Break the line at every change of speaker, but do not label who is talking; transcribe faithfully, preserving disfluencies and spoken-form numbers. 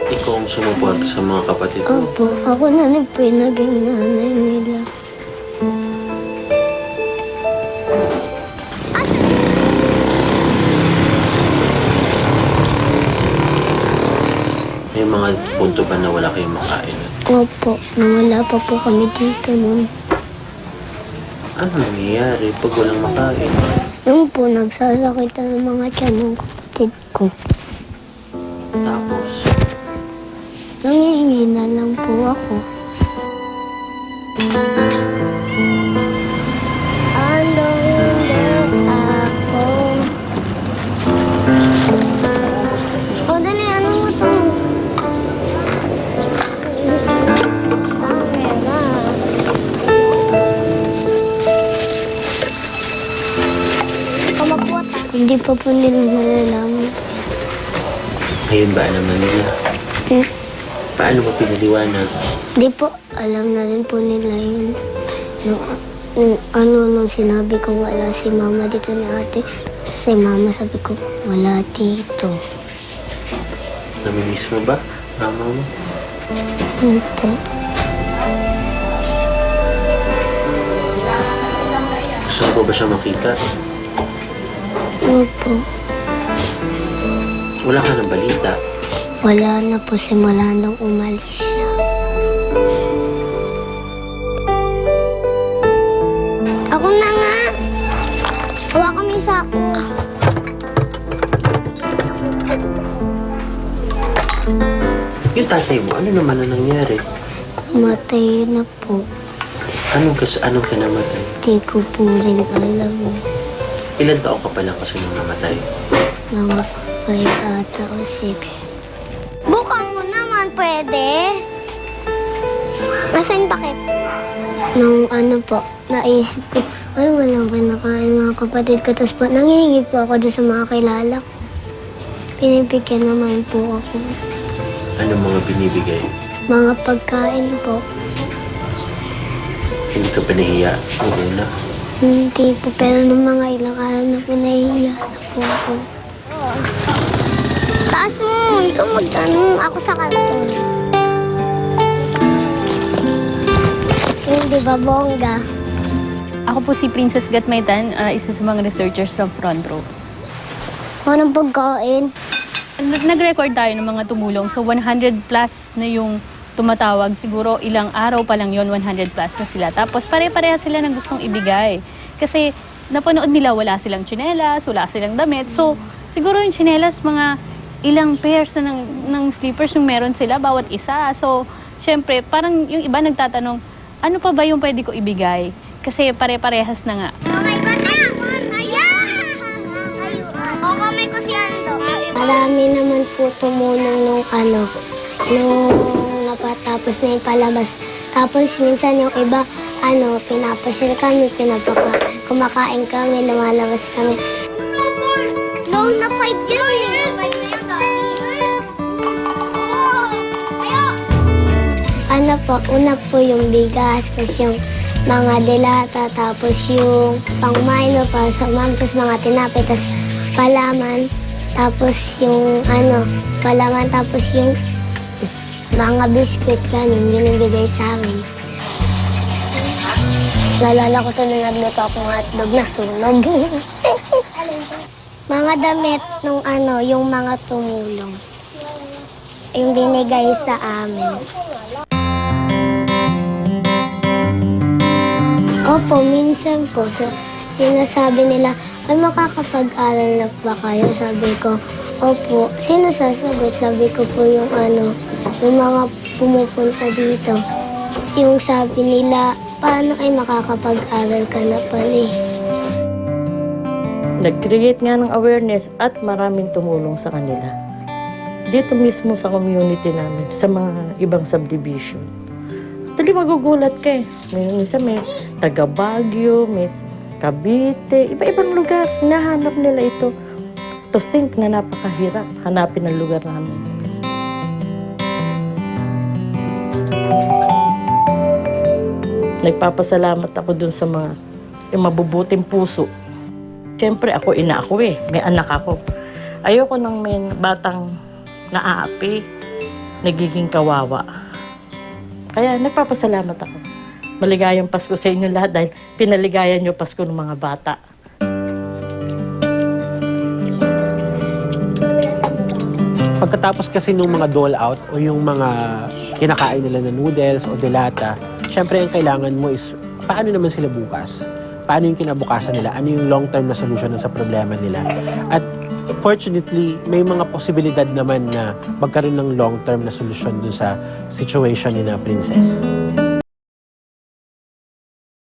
Ikaw ang sumuporta sa mga kapatid mo.
Opo, ako na rin po yung naging nanay nila.
May mga punto ba na wala kayong makain?
Opo, nawala pa po kami dito noon.
Ano nangyayari pag walang makain?
Yung po, nagsasakitan ng mga tiyan ng kapatid ko.
Tapos,
Nangihingi na lang po ako. Ano hindi ako? O, dali, ano mo to? Dami na. Kamapuat. Hindi pa po nila nalalaman.
ngayon ba alam na nila?
Hmm?
Paano mo pinaliwanag?
Di po, alam na rin po nila yun. Nung, nung, ano, nung sinabi ko wala si mama dito ni ate, si mama sabi ko, wala dito.
Namimiss mo ba, mama mo?
Ano po?
Gusto mo ba siya makita?
Ano po?
Wala ka ng balita.
Wala na po simula nung umalis siya. Ako na nga! Hawa kami sa ako.
Yung tatay mo, ano naman ang nangyari?
Namatay na po.
Anong, kas anong kinamatay?
Di ko po rin alam.
Ilan taon ka pa lang kasi nung namatay?
Mga five ata o six. Buka mo naman, pwede? Nasaan yung takip? Nung ano po, naisip ko, ay walang kinakain mga kapatid ko. Tapos po, nangihingi po ako doon sa mga kilala ko. Pinipigyan naman po ako.
Ano mga binibigay?
Mga pagkain po.
Hindi ka ba nahiya nung una?
Hindi po, pero nung mga ilang araw na po, nahihiya na po ako. Taas mo! Ikaw magtanong. Ako sa karton. Hindi ba, bongga?
Ako po si Princess Gatmaitan, uh, isa sa mga researchers sa Front Row.
Anong pagkain?
Nag- Nag-record tayo ng mga tumulong. So one hundred plus na yung tumatawag. Siguro ilang araw pa lang yon one hundred plus na sila. Tapos pare-pareha sila ng gustong ibigay. Kasi napanood nila wala silang tsinelas, wala silang damit. So siguro yung tsinelas, mga ilang pairs na ng, ng slippers yung meron sila, bawat isa. So syempre, parang yung iba nagtatanong, ano pa ba yung pwede ko ibigay? Kasi pare-parehas na nga.
Marami naman po tumulong nung ano, nung napatapos na yung palabas. Tapos minsan yung iba, ano, pinapasyal kami, pinapaka, kumakain kami, lumalabas kami. No, na five dyan eh. Ano po, una po yung bigas, tapos yung mga delata, tapos yung pang Milo, pa sa ma'am, tapos mga tinapay, tapos palaman, tapos yung ano, palaman, tapos yung mga biskuit kanin, binibigay sa amin. Nalala ko to nung nagluto akong hotdog na sunog. Mga damit nung ano, yung mga tumulong. Yung binigay sa amin. Opo, minsan po, so, sinasabi nila, ay makakapag-aral na ba kayo? Sabi ko, opo. Sino sasagot? Sabi ko po yung ano, yung mga pumupunta dito. Yung sabi nila, paano ay makakapag-aral ka na pala eh?
Nag-create nga ng awareness at maraming tumulong sa kanila. Dito mismo sa community namin, sa mga ibang subdivision. Actually, magugulat ka eh. May, minsan may taga Baguio, may Cavite, iba-ibang lugar. Hinahanap nila ito. To think na napakahirap hanapin ang lugar namin. Nagpapasalamat ako dun sa mga yung mabubuting puso. Siyempre, ako ina ako eh. May anak ako. Ayoko nang may batang naaapi. nagiging kawawa. Kaya nagpapasalamat ako. Maligayang Pasko sa inyo lahat dahil pinaligayan niyo Pasko ng mga bata.
Pagkatapos kasi nung mga dole out o yung mga kinakain nila na noodles o delata, syempre ang kailangan mo is paano naman sila bukas? Paano yung kinabukasan nila? Ano yung long-term na solution sa problema nila? At fortunately, may mga posibilidad naman na magkaroon ng long-term na solusyon dun sa situation ni na Princess.